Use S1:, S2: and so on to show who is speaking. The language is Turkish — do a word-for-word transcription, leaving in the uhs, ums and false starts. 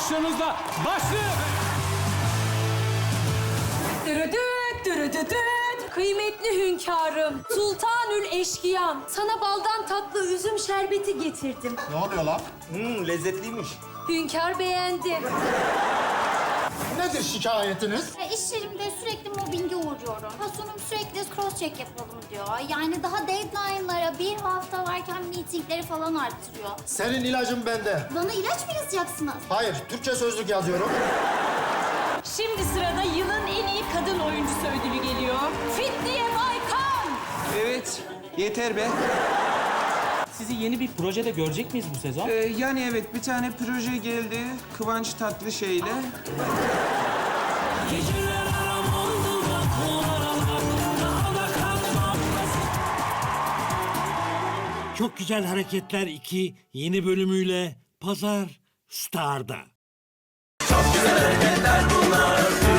S1: alkışlarınızla başlıyor.
S2: Dürüdüt, dürüdüdüt. Kıymetli hünkârım, sultanül eşkıyam. Sana baldan tatlı üzüm şerbeti getirdim.
S3: Ne oluyor lan?
S4: Hmm, lezzetliymiş.
S2: Hünkâr beğendi.
S3: Nedir şikayetiniz?
S5: Ya iş yerimde sürekli mobbinge uğruyorum. Patronum sürekli cross check yapalım diyor. Yani daha deadline'lara bir hafta varken meetingleri falan arttırıyor.
S3: Senin ilacın bende.
S5: Bana ilaç mı yazacaksınız?
S3: Hayır, Türkçe sözlük yazıyorum.
S2: Şimdi sırada yılın en iyi kadın oyuncusu ödülü geliyor. Fitniye Baykan.
S6: Evet, yeter be.
S1: Sizi yeni bir projede görecek miyiz bu sezon?
S6: Ee, yani evet, bir tane proje geldi Kıvanç Tatlışey'le.
S7: Çok Güzel Hareketler iki yeni bölümüyle Pazar Star'da.
S8: Çok güzel hareketler bunlar.